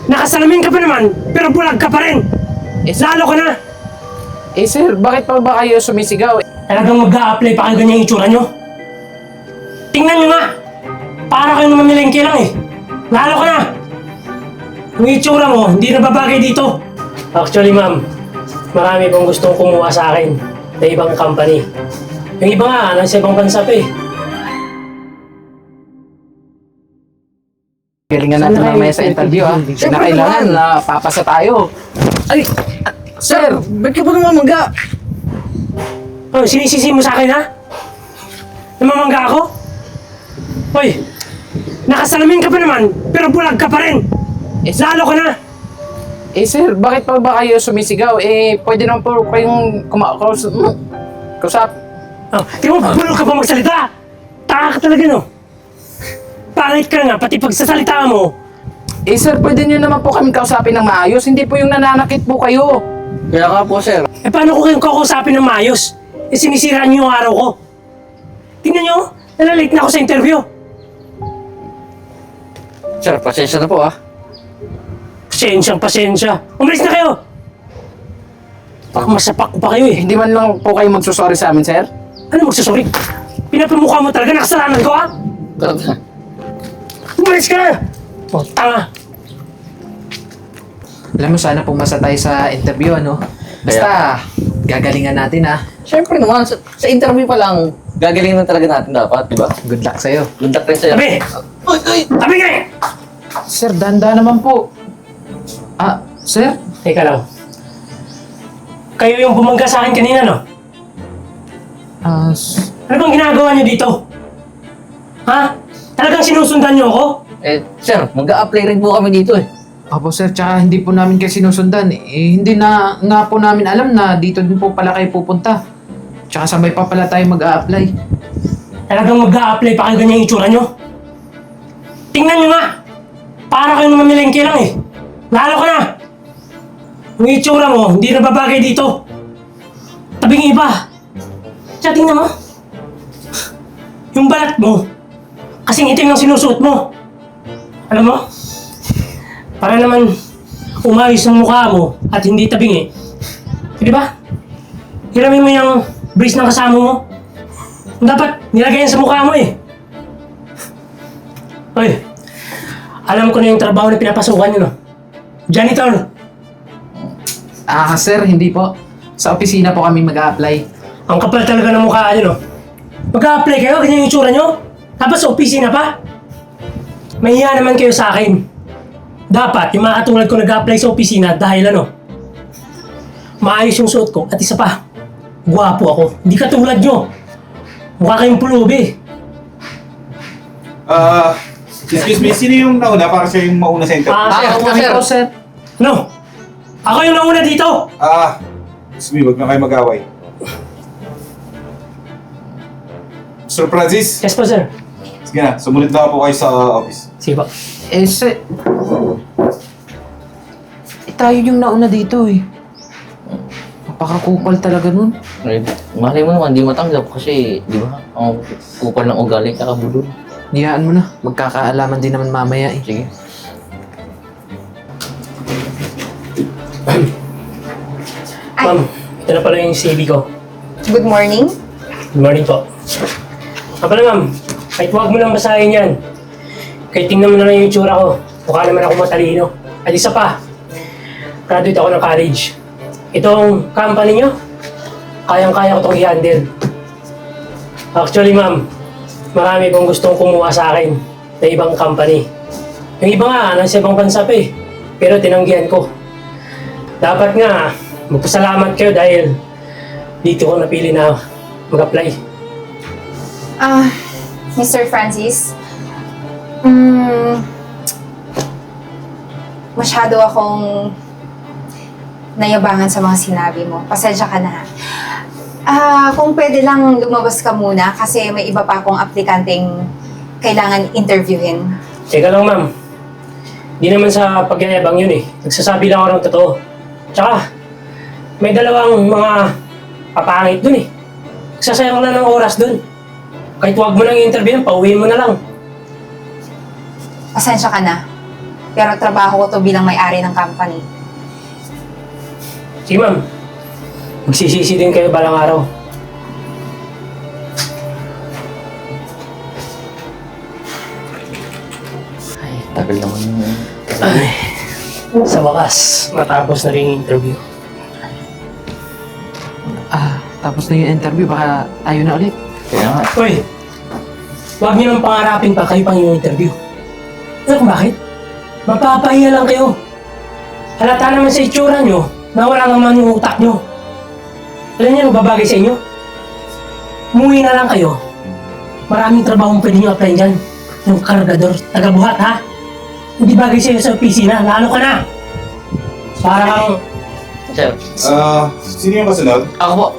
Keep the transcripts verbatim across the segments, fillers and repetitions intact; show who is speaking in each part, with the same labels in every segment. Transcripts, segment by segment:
Speaker 1: Nakasalamin ka pa naman, pero bulag ka pa rin.
Speaker 2: Eh, sir,
Speaker 1: Lalo ka na.
Speaker 2: eh, sir, bakit pa ba kayo sumisigaw?
Speaker 1: Talagang mag-a-apply pa kayo ganyan yung itsura nyo. Tingnan nyo nga. Para kayo naman milengke lang eh. Lalo ka na. Yung itsura mo, hindi na babagay dito. Actually, ma'am, marami pong gustong kumuha sa akin na ibang company. Yung iba nga, nasa ibang bansa pa eh.
Speaker 2: Galingan natin mamaya sa interview, ha? Na kailangan na papasa tayo.
Speaker 3: Ay!
Speaker 2: Sir,
Speaker 3: Ba't ka ba namamangga?
Speaker 1: Oh, sinisisi mo sa akin, ha? Namamangga ako? Hoy, nakasalamin ka pa naman, pero bulag ka pa rin.
Speaker 2: Eh, sir,
Speaker 1: Lalo ka na.
Speaker 2: eh, sir, bakit pa ba kayo sumisigaw? Eh, pwede naman po kayong kumakus... Kusap.
Speaker 1: Oh, di mo, bulog ka pa magsalita. Taka ka talaga, no? Pangit ka nga, pati pagsasalita mo.
Speaker 2: Eh, sir, pwede niyo naman po kami kausapin ng maayos. Hindi po yung nananakit po kayo.
Speaker 3: Kaya ka po, sir.
Speaker 1: Eh, paano ko kayong kakausapin ng maayos? Eh, sinisiraan niyo yung araw ko. Tingnan niyo, nalalate na ako sa interview.
Speaker 3: Sir, pasensya na po, ah.
Speaker 1: Pasensyang pasensya. Umalis na kayo. Baka masapak ko pa kayo eh.
Speaker 2: Hindi man lang po kayo magsusorry sa amin, sir.
Speaker 1: Ano magsasorry? Pinapamukha mo talaga, nakasalanan ko, ha?
Speaker 3: Talaga.
Speaker 1: Umalis ka na! Oh, tanga!
Speaker 2: Alam mo, sana pumasa tayo sa interview, ano? Basta, gagalingan natin, ha?
Speaker 3: Siyempre naman, sa, sa interview pa lang, gagaling na talaga natin dapat, di ba?
Speaker 2: Good luck sa'yo.
Speaker 3: Good luck rin sa'yo.
Speaker 1: Tabi!
Speaker 3: Uy, uy!
Speaker 1: Tabi ka eh!
Speaker 2: Sir, danda naman po. Ah, sir?
Speaker 1: Teka lang. Kayo yung bumangga sa akin kanina, no?
Speaker 2: Ah, s-
Speaker 1: Ano bang ginagawa niyo dito? Ha? Talagang sinusundan niyo ako?
Speaker 3: Eh, sir, mag-a-apply rin po kami dito, eh.
Speaker 2: Opo, sir, tsaka hindi po namin kayo sinusundan. Eh, hindi na nga po namin alam na dito din po pala kayo pupunta. Tsaka sabay pa pala tayo mag-a-apply.
Speaker 1: Talagang mag-a-apply pa kayo ganyan yung itsura niyo? Tingnan niyo nga! Para kayo naman milengke lang eh. Lalo ka na! Yung itsura mo, hindi na babagay dito. Tabing iba. Tsaka tingnan mo. Yung balat mo, kasing itim ng sinusuot mo. Alam mo? Para naman umayos ang mukha mo at hindi tabingi. Eh, di ba? Hiramin mo yung brace ng kasama mo. Dapat nilagay yan sa mukha mo eh. Hoy, alam ko na yung trabaho na pinapasukan nyo, no? Janitor,
Speaker 2: Ah, sir, hindi po. Sa opisina po kami mag-a-apply.
Speaker 1: ang kapal talaga ng mukha nyo, no? Mag-a-apply kayo, ganyan yung itsura nyo? Tapos sa opisina pa? Mahiya naman kayo sa akin. Dapat, yung mga katulad ko nag-a-apply sa opisina dahil ano, maayos yung suot ko at isa pa, gwapo ako. Hindi katulad nyo. Mukha kayong pulubi.
Speaker 4: Ah, excuse me, sino yung nauna para siya yung mauna sa interview?
Speaker 1: Ah,
Speaker 2: Ah,
Speaker 1: sir,
Speaker 2: ako
Speaker 3: sir.
Speaker 2: po, sir.
Speaker 1: Ano? Ako yung nauna dito!
Speaker 4: Ah, excuse me, wag na kayo mag-away. Sir Francis,
Speaker 1: Yes po, sir.
Speaker 4: sige na, sumunod na po kayo sa office.
Speaker 1: Sige po.
Speaker 2: Eh, sir... Eh, tayo yung nauna dito, eh. Napakakupal talaga nun.
Speaker 3: Eh, malay mo naman, di matanggap kasi, di ba, ang kupal ng ugali, kakabulol.
Speaker 2: Niyaan mo na. Magkakaalaman din naman mamaya, eh.
Speaker 3: Sige.
Speaker 1: Ma'am, ito na pala yung C V ko.
Speaker 5: Good morning.
Speaker 1: Good morning po. Ah, pala ma'am, kahit huwag mo nang basahin yan. Kahit tingnan mo na lang yung itsura ko. Mukha naman ako matalino. At isa pa, graduate ako ng college. Itong company nyo, kayang-kaya ko itong i-handle. Actually ma'am, marami pong gustong kumuha sa akin na ibang company. Yung iba nga, nasa ibang bansa pa eh. Pero tinanggihan ko. Dapat nga, magpasalamat kayo dahil dito ko napili na mag-apply.
Speaker 5: Ah, Mister Francis, mm, masyado akong nayabangan sa mga sinabi mo. Pasensya ka na. ha. Ah, kung pwede lang lumabas ka muna kasi may iba pa akong aplikanteng kailangan interviewin.
Speaker 1: Teka lang ma'am, di naman sa pagyayabang yun eh. Nagsasabi lang ako ng totoo. Tsaka, may dalawang mga papangit dun eh. Nagsasayang na ng oras dun. Kahit huwag mo nang i-interview, pauwiin mo na lang.
Speaker 5: Pasensya ka na. Pero trabaho ko to bilang may-ari ng company.
Speaker 1: Sige ma'am, magsisisi din kayo balang araw.
Speaker 3: Ay, tagal naman yung...
Speaker 1: Ay, sa wakas, matapos na rin yung interview.
Speaker 2: Ah, tapos na yung interview, baka tayo na ulit.
Speaker 3: Kaya nga.
Speaker 1: Uy, huwag niyo nang pangarapin pa kayo pang yung interview. Alam kung bakit? Mapapahiya lang kayo. Halata naman sa itsura nyo na wala naman yung utak nyo. Alam niyo, babagay sa inyo? Umuwi na lang kayo. Maraming trabaho pwede nyo apply dyan. Yung kargador, tagabuhat ha? Hindi bagay sa'yo sa opisina, lalo ka na. Parang,
Speaker 3: Sir,
Speaker 4: Ah, sino yung kasunod?
Speaker 3: ako po.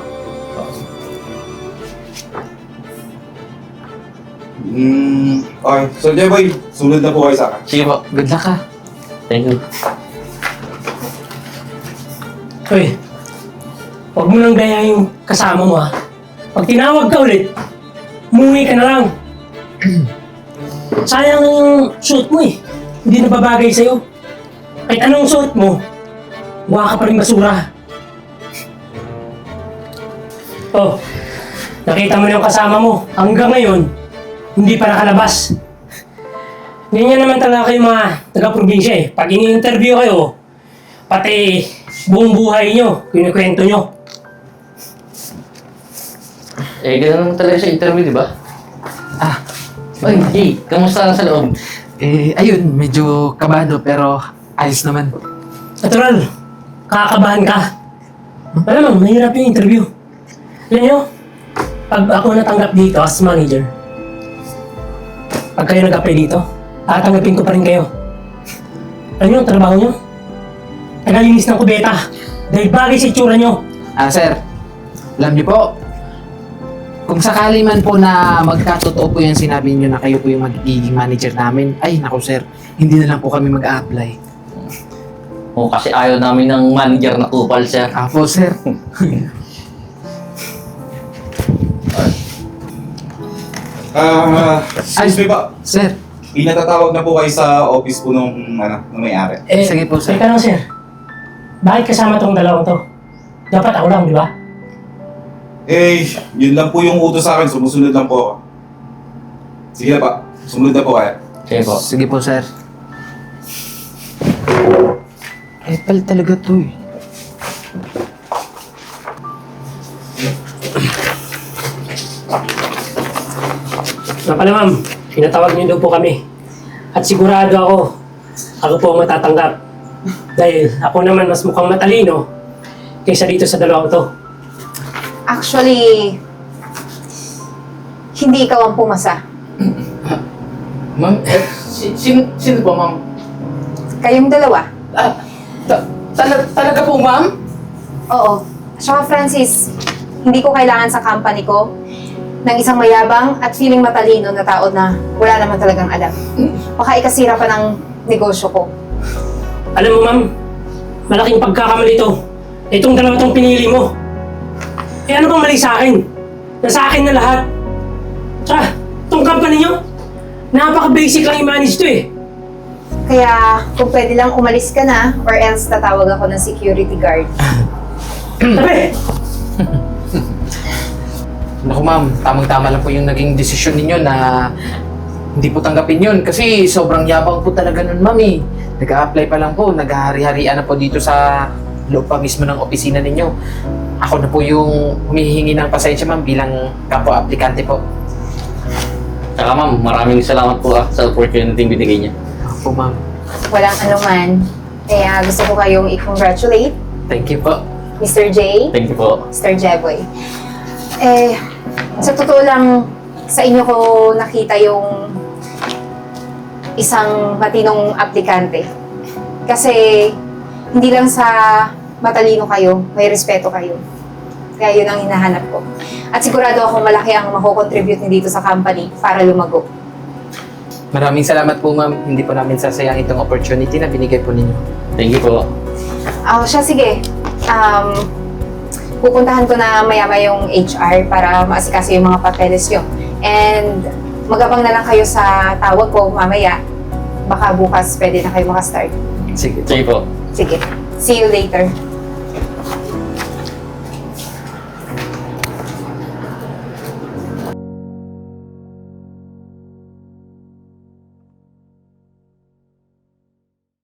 Speaker 4: Hmm, okay. So, Jeboy, sunod na po kayo sa akin.
Speaker 3: Sige po.
Speaker 2: Good luck, ha.
Speaker 3: Thank you.
Speaker 1: uy, huwag mo nang gaya yung kasama mo ha. Pag tinawag ka ulit, umuwi ka na lang. Sayang yung suit mo eh. Hindi na babagay sa'yo. Kahit anong suit mo, mukha ka pa rin basura. Oh, nakita mo na yung kasama mo. Hanggang ngayon, hindi pa nakalabas. Ganyan naman talaga kayo mga taga-probinsya eh. Pag ini-interview kayo, pati buong buhay nyo, kinikwento nyo.
Speaker 3: Eh, ganun talaga sa interview, di ba?
Speaker 2: Ah,
Speaker 3: Ay, Jay, kamusta na sa loob?
Speaker 2: eh, ayun, medyo kabado pero ayos naman.
Speaker 1: Natural, kakabahan ka. Alam mo, mahirap yung interview. Alam nyo, pag ako natanggap dito as manager, pag kayo nag-apply dito, tatanggapin ko pa rin kayo. Alam nyo, ang trabaho nyo? Tagalinis ng kubeta. Dahil bagay sa itsura nyo.
Speaker 2: Ah, sir, alam niyo po, kung sakali man po na magkatotoo po yung sinabi niyo na kayo po yung magiging manager namin, ay, naku sir, hindi na lang po kami mag-a-apply.
Speaker 3: O, kasi ayaw namin ng manager na kupal, sir.
Speaker 2: Apo, sir.
Speaker 4: Ah, excuse me ba?
Speaker 2: Sir,
Speaker 4: Inatatawag na po kayo sa office po nung, ano, nung may-ari.
Speaker 1: Eh,
Speaker 2: Sige po, sir.
Speaker 1: Teka lang, sir. Bakit kasama tong dalawang to? Dapat ako lang, di ba?
Speaker 4: Eh, yun lang po yung utos sa akin. Sumusunod lang po ako. Sige na pa. Sumunod na po kayo.
Speaker 3: Sige po.
Speaker 2: sige po, sir. Eh, pal talaga to eh.
Speaker 1: Nga pala ma'am, pinatawag niyo daw po kami. At sigurado ako, ako po ang matatanggap. Dahil ako naman mas mukhang matalino kaysa dito sa dalawang to.
Speaker 5: Actually, hindi ikaw ang pumasa.
Speaker 3: Ma'am, eh, si, sino, sino po, ma'am?
Speaker 5: Kayong dalawa.
Speaker 3: Ah, ta- tala- talaga po, ma'am?
Speaker 5: Oo. Saka Francis, hindi ko kailangan sa company ko ng isang mayabang at feeling matalino na tao na wala naman talagang alam. Baka ikasira pa ng negosyo ko.
Speaker 1: Alam mo ma'am, malaking pagkakamali ito. Itong dalawa tong pinili mo. Eh ano bang mali sa akin? Nasa akin na lahat. Tsaka, itong company nyo, napaka-basic lang i-manage to eh.
Speaker 5: Kaya kung pwede lang umalis ka na or else tatawag ako ng security guard.
Speaker 1: Sabi!
Speaker 2: Naku ma'am, tamang-tama lang po yung naging desisyon ninyo na hindi po tanggapin yun. Kasi sobrang yabang po talaga nun ma'am eh. Nag-a-apply pa lang po, naghahari-harian na po dito sa loob pa mismo ng opisina ninyo. Ako na po yung humihingi ng pasensya ma'am bilang kapwa-aplikante po.
Speaker 3: Tsaka ma'am, maraming salamat po ah, sa opportunity binigay niya.
Speaker 2: Opo ma'am.
Speaker 5: Walang anuman. Kaya gusto ko kayong i-congratulate,
Speaker 2: Thank you po.
Speaker 5: Mister J,
Speaker 3: Thank you po.
Speaker 5: Mister Jeboy. Eh, sa totoo lang, sa inyo ko nakita yung isang matinong aplikante. Kasi hindi lang sa matalino kayo, may respeto kayo. Kaya yun ang hinahanap ko. At sigurado ako malaki ang mako-contribute ni dito sa company para lumago.
Speaker 2: Maraming salamat po ma'am. Hindi po namin sasayang itong opportunity na binigay po ninyo.
Speaker 3: Thank you po.
Speaker 5: Ah, siya, sige. Um, pupuntahan ko na maya yung H R para maasikaso yung mga papeles nyo. And magabang na lang kayo sa tawag ko mamaya baka bukas pwede na kayo makastart.
Speaker 2: Sige po.
Speaker 3: Sige po.
Speaker 5: Sige. See you later.